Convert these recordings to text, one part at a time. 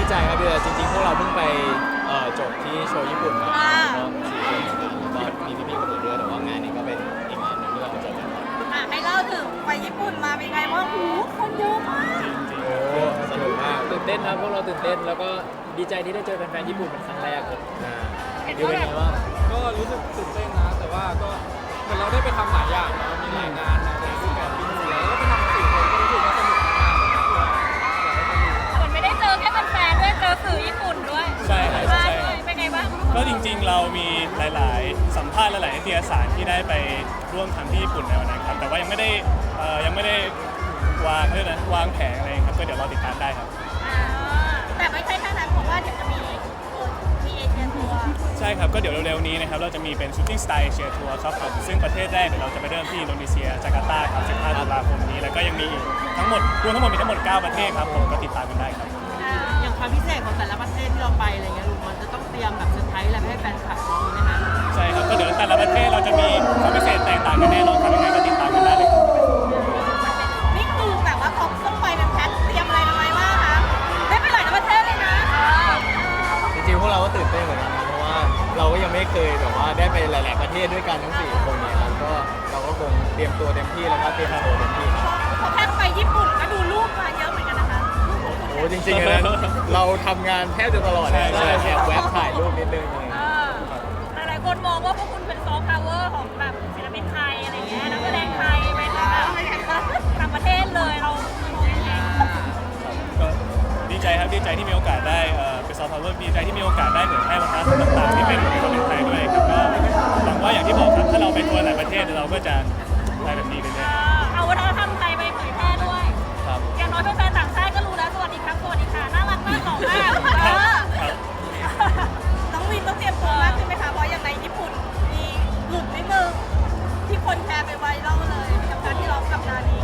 ดีใจครับดีใจจริงๆพวกเราเพิ่งไปจบที่โชว์ญี่ปุ่นมาก็4 คนแล้วก็มีพี่ๆคนอื่นด้วยแต่ว่างานนี้ก็เป็นอีกงานหนึงที่เราไปเจอกันให้เล่าถึงไปญี่ปุ่นมาเป็นไงว่างหูคนเยอะมากจริงๆโอ้สนุกมากตื่นเต้นครับพวกเราตื่นเต้นแล้วก็ดีใจที่ได้เจอแฟนๆญี่ปุ่นเป็นครั้งแรกครับเห็นดูเป็นไงบ้างก็รู้สึกตื่นเต้นนะแต่ว่าก็เหมือนเราได้ไปทำหลายอย่างนะมีหลายงานในรูปแบบบินเสือแล้วก็ไปทำ4 คนก็รู้สึกว่าสนุกมากเหมือนไม่ได้เจอแค่แฟนๆด้วยเจอสื่อญี่ปุ่นด้วยใช่ครับใช่เป็นไงบ้างก็จริงๆเรามีหลายๆสัมภาษณ์หลายๆนิตยสารที่ได้ไปร่วมทำที่ญี่ปุ่นในวันนั้นครับแต่ว่ายังไม่ได้วางแผนอะไรครับก็เดี๋ยวรอติดตามได้ครับแต่ไม่ใช่แค่นั้นเพราะว่าเดี๋ยวจะมีเอเชียทัวร์ใช่ครับก็เดี๋ยวเร็วๆนี้นะครับเราจะมีเป็น Shooting Star Asia Tour ครับผมซึ่งประเทศแรกเดี๋ยวเราจะไปเริ่มที่อินโดนีเซียจาการ์ตาครับ15 ตุลาคมนี้แล้วก็ยังมีอีกทั้งหมดมีทั้งหมด 9 ประเทศครับผมก็ติดตามกันได้ครับอย่างความพิเศษของแต่ละประเทศที่เราไปอะไรเงี้ยลุงมันจะต้องเตรียมแบบเซอร์ไพรส์อะไรให้แฟนคลับน้องไหมคะใช่ครับก็เดี๋ยวแต่ละประเทศเราจะมีความพิเศษแตกต่างกันแน่นอนครับยังไงก็ติดตามกันได้เลยครับนี่คือแบบว่าเขาต้องไปเป็นแพ็คเตรียมอะไรทำไมบ้างคะได้ไปหลายประเทศเลยนะจริงๆพวกเราก็ตื่นเต้นเหมือนกันนะเพราะว่าเราก็ยังไม่เคยแบบว่าได้ไปหลายๆประเทศด้วยกันทั้ง4 คนเนี่ยครับก็เราก็คงเตรียมตัวเต็มที่แล้วก็เตรียมโชว์เต็มที่ครับพอแพ็คไปญี่ปุ่นก็ดูรูปมาเยอะเหมือนกันนะคะโอ้จริงๆนะเราทำงานแทบจะตลอดเลยใช่แอบแวะถ่ายรูปนิดนึงหลายคนมองว่าพวกคุณเป็นซอฟต์พาวเวอร์ของแบบศิลปินไทยอะไรเงี้ยนักแสดงไทยเป็นแบบต่างประเทศเลยเราก็ดีใจครับดีใจที่มีโอกาสได้เป็นซอฟต์พาวเวอร์ดีใจที่มีโอกาสได้เผยแพร่วัฒนธรรมต่างๆที่เป็นคนไทยด้วยครับก็หวังว่าอย่างที่บอกครับถ้าเราไปทัวร์หลายประเทศเราก็จะได้แบบนี้กันเลยเอาวัฒนธรรมไทยไปเผยแพร่ด้วยอย่างน้อยแฟนๆต่างชาติก็รู้แล้วสวัสดีครับสวัสดีค่ะน่ารักมากหล่อมากน้องวินต้องเตรียมตัวมากขึ้นไหมคะเพราะอย่างในญี่ปุ่นมีหลุดนิดนึงที่คนแชร์ไปไวรัลเลยกับการที่ร้องกับนานี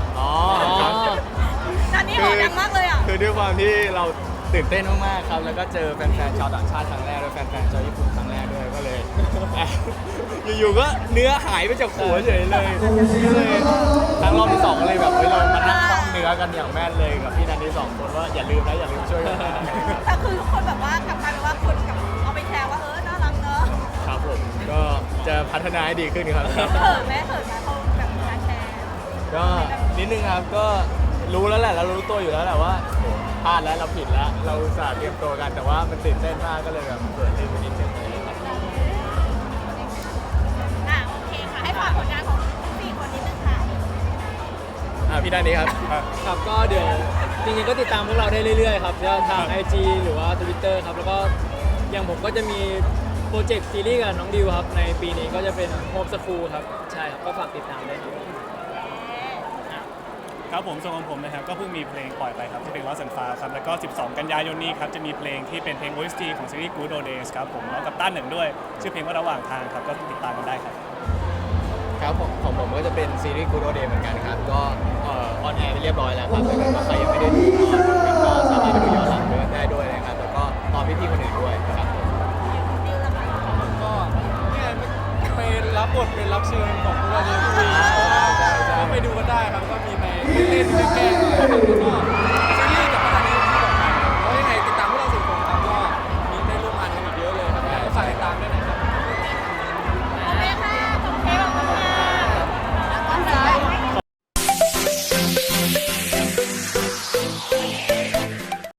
นานีโหดดังมากเลยอ่ะคือด้วยความที่เราตื่นเต้นมากๆครับแล้วก็เจอแฟนๆชาวต่างชาติครั้งแรกด้วยแฟนๆชาวญี่ปุ่นครั้งแรกด้วยก็เลยอยู่ๆก็เนื้อหายไปจากหัวเฉยเลยครั้งรอบที่2เลยแบบเรามานั่งท่องเนื้อกันอย่างแม่นเลยกับพี่นันที่2 คนว่าอย่าลืมช่วยกันแต่คือทุกคนแบบว่ากลับกลายเป็นว่าคนกับเอาไปแชร์ว่าน่ารักเนอะครับผมก็จะพัฒนาให้ดีขึ้นครับเขินไหมเขาแบบการแชร์ก็นิดนึงครับก็รู้แล้วแหละเรารู้ตัวอยู่แล้วแหละว่าพลาดแล้วเราผิดแล้วเราอุตส่าห์เตรียมตัวกันแต่ว่ามันตื่นเต้นมากก็เลยแบบเกิดลืมไปนิดนึงเลยครับโอเคค่ะให้ฝากผลงานของ4 คนนิดนึงค่ะพี่ด้านนี้ครับครับก็เดี๋ยวจริงๆก็ติดตามพวกเราได้เรื่อยๆครับทาง IG หรือว่า Twitter ครับแล้วก็อย่างผมก็จะมีโปรเจกต์ซีรีส์กับน้องดิวครับในปีนี้ก็จะเป็น Home School ครับใช่ครับก็ฝากติดตามด้วยครับผมส่วนของผมนะครับก็เพิ่งมีเพลงปล่อยไปครับที่เป็น Lost and Found ครับแล้วก็12 กันยายนนี้ครับจะมีเพลงที่เป็นเพลง OST ของซีรีส์ Good Old Days ครับผมแล้วกับต้านหนึ่งด้วยชื่อเพลงว่าระหว่างทางครับก็ติดตามกันได้ครับครับของผมก็จะเป็นซีรีส์ Good Old Days เหมือนกันครับก็ออนแอร์ไปเรียบร้อยแล้วครับถ้าใครยังไม่ได้ดูก็สามารถไปดูย้อนหลังได้ด้วยนะครับแล้วก็ตอนพี่ๆคนอื่นด้วยครับก็เนี่ยไปรับบทเป็นรับเชิญของพวกเราในทีวีก็ไปดูกันได้ครับก็มีในเล่นๆแกล้งๆ